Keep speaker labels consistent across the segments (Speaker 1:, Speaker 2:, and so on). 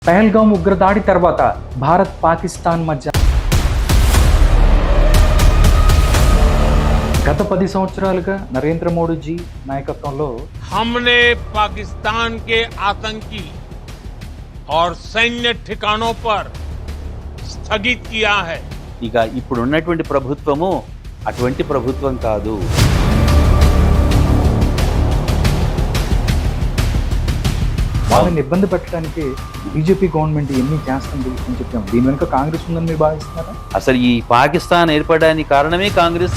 Speaker 1: పహల్గామ్ ఉగ్రదాడి తర్వాత భారత్ పాకిస్తాన్ మధ్య గత 10 సంవత్సరాలుగా నరేంద్ర మోడీజీ నాయకత్వంలో
Speaker 2: हमने पाकिस्तान के आतंकी और सैन्य ठिकानों पर स्थगित किया है।
Speaker 3: ఇక ఇప్పుడున్నటువంటి ప్రభుత్వము అటువంటి ప్రభుత్వం కాదు.
Speaker 1: వాళ్ళని ఇబ్బంది పెట్టడానికి బీజేపీ గవర్నమెంట్ ఎన్ని చేస్తుంది అని చెప్పాము. దీని వెనుక కాంగ్రెస్ ఉందని మీరు భావిస్తున్నారా?
Speaker 3: అసలు ఈ పాకిస్తాన్ ఏర్పడడానికి కారణమే కాంగ్రెస్.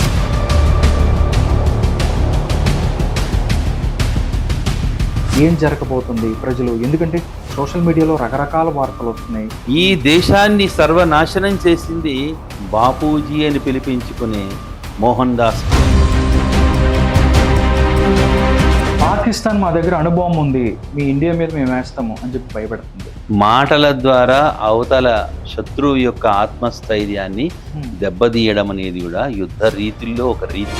Speaker 1: ఏం జరగబోతుంది ప్రజలు, ఎందుకంటే సోషల్ మీడియాలో రకరకాల వార్తలు వస్తున్నాయి.
Speaker 3: ఈ దేశాన్ని సర్వనాశనం చేసింది బాపూజీ అని పిలిపించుకునే మోహన్ దాస్.
Speaker 1: పాకిస్తాన్ మా దగ్గర అనుభవం ఉంది, మీ ఇండియా మీద మేము వేస్తాము అని చెప్పి భయపెడుతుంది.
Speaker 3: మాటల ద్వారా అవతల శత్రువు యొక్క ఆత్మస్థైర్యాన్ని దెబ్బతీయడం అనేది కూడా యుద్ధ రీతుల్లో ఒక రీతి.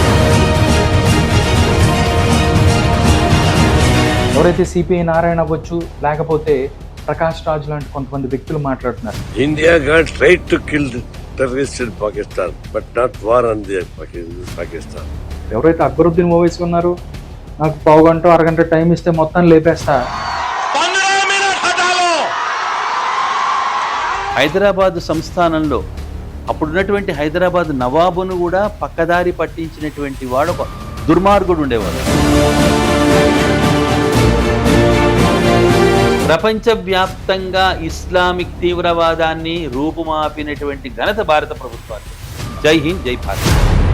Speaker 1: ఎవరైతే సిపిఐ నారాయణ అవ్వచ్చు, లేకపోతే ప్రకాష్ రాజ్ లాంటి కొంతమంది వ్యక్తులు మాట్లాడుతున్నారు.
Speaker 4: India got right to kill the terrorists in Pakistan, but not war on the Pakistan.
Speaker 1: ఎవరైతే అక్బరుద్దీన్ ఓవైసీ ఉన్నారో, నాకు పావు గంట అరగంట టైం ఇస్తే మొత్తం లేపేస్తా.
Speaker 3: హైదరాబాద్ సంస్థానంలో అప్పుడున్నటువంటి హైదరాబాద్ నవాబును కూడా పక్కదారి పట్టించినటువంటి వాడు ఒక దుర్మార్గుడు ఉండేవాడు. ప్రపంచవ్యాప్తంగా ఇస్లామిక్ తీవ్రవాదాన్ని రూపుమాపినటువంటి ఘనత భారత ప్రభుత్వానికి. జై హింద్, జై భారత్.